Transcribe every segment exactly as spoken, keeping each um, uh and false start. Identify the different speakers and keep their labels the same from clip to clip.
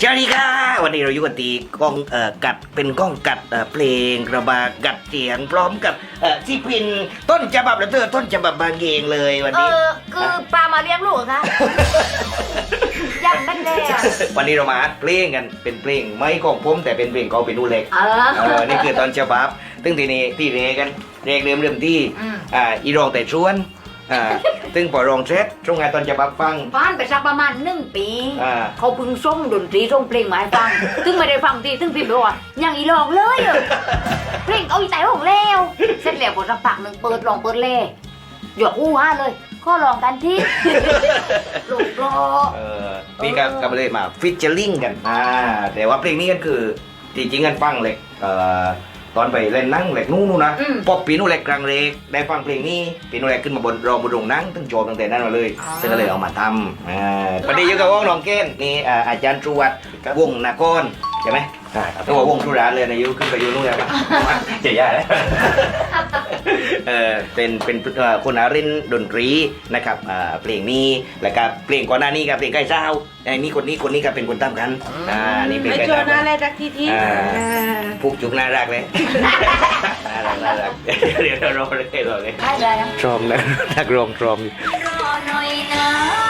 Speaker 1: สวัสดีค่ะวันนี้เราอยู่กันตีกล้องเอ่อกัดเป็นกล้องกัดเอ่อเพลงกระบากัดเสียงพร้อมกับเอ่อที่พินต้นฉบับและเธอต้นฉบับบางเองเลยวัน
Speaker 2: เอ
Speaker 1: นี้
Speaker 2: อคือปลามาเลี้ยงลูกเหรอคะ ยังไม่ได้อะ
Speaker 1: วันนี้เรามาอัดเพลงกันเป็นเพลงไม่ของผมแต่เป็นเพลงของเป็นนูเล็ก
Speaker 2: เออ
Speaker 1: เออนี่คือตอนฉบับซึ่งทีนี้ที่เรกันเรกเริ่มเริ่มที่
Speaker 2: อืม
Speaker 1: อ่าอีรองแต่ชวนอ่าซึ่งพอรองเสร็จช่วงงานตอนฉบับฟัง
Speaker 2: ฟันไปสักประมาณหนึ่งปี
Speaker 1: อ่า
Speaker 2: เขาเพึ่งส่งดนตรีส่งเพลงมาให้ฟัง ซึ่งไม่ได้ฟังทีซึ่งพี่บอกว่ายังอีหลอกเลยอะเพลงเอาอีใจของแล้วเสร็จแล้วพอสักพักหนึ่งเปิดลองเปิดเล่หยอกอู้ฮ่าเลยก็ลองกันที่ ลูกรอ
Speaker 1: เออพี่ก็ก็เลยมาฟิชเชอร์ลิงกันอ่าแต่ว่าเพลงนี้กันคือจริงๆกันฟังเลยเอ่อตอนไปเล่นหนั่งเล็กนู้นนะ
Speaker 2: อืม
Speaker 1: พอปีนู้นเล็กกลางเล็กได้ฟังเพลงนี้ปีนู้นเล็กขึ้นมาบนรองบนโรงหนั่งตั้งโจมตั้งแต่นั้นมาเลย
Speaker 2: อ๋อ
Speaker 1: ซึ่งก็เลยเอามาทำอ่าวันนี้อยู่กับวงน้องเก้นนี่อ่าอาจารย์ตรวจวงนากรใช่ไหมใช่ตัววงทุรานเลยนะยุขึ้นไปอยู่นู่นแล้วปะ เจ๋ยเลย เออเป็นเป็นเอ่อคนอารินดนตรีนะครับอ่าเพลงนี้แล้วก็เพลงก่อนหน้านี้กับเพลงใกล้เช้าไอ้นี่คนนี้คนนี้ก็เป็นคนตามกันอ่านี่เป็น
Speaker 3: ไม่
Speaker 1: ใกล้
Speaker 3: เจอ
Speaker 1: เช้า
Speaker 3: หน้าแรกรักที่ที่
Speaker 1: อ่า
Speaker 3: อ่า
Speaker 1: ผูกจุกน่ารักเลย น่ารักน่ารักเดี๋ยวเรารอเลยรอเลย
Speaker 2: ได้ได้นะ
Speaker 1: ทรอมนะนักร้องทรอม
Speaker 2: รอหน่อยนะ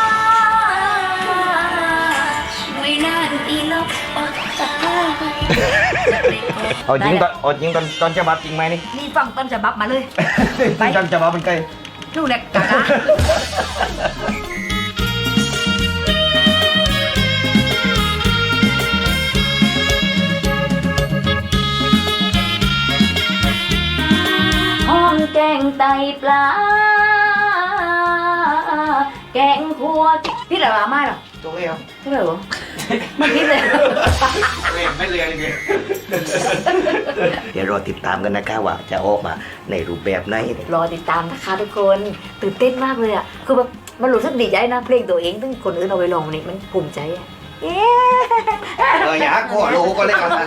Speaker 2: ไม่นานอีลบออกจากบ้าน
Speaker 1: เอาจริงตอนเอาจริงตอนตอนจะบับจริงไหมนี่
Speaker 2: นี่ฟังต้นฉบับมาเลย ไป
Speaker 1: ตอนจะบับเป็นไง
Speaker 2: ลูกเล็กกะห้องแกงไตปลา แกงคั่วพี่เหรอมาเหรอ
Speaker 1: ตัวเลี้ยว
Speaker 2: พี่เหรอมันพี่เลย
Speaker 1: เล่นไม่เรียนเลยเดี๋ยวรอติดตามกันนะครับว่าจะออกมาในรูปแบบไหน
Speaker 2: รอติดตามนะคะทุกคนตื่นเต้นมากเลยอ่ะคือแบบมันรู้สึกดีใจนะเพลงตัวเองซึ่งคนอื่นเอาไปลองนี่มันภูมิใจอ่ะเย้
Speaker 1: เอออย่าขอรู้ก็เล่นกันนะ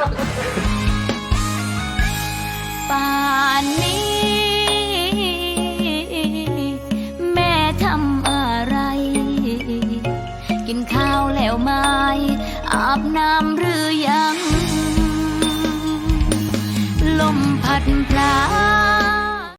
Speaker 2: ป่านนี้ แม่ทำอะไร กินข้าวแล้วไหมอาบน้ำหรือยัง ลมพัดพลา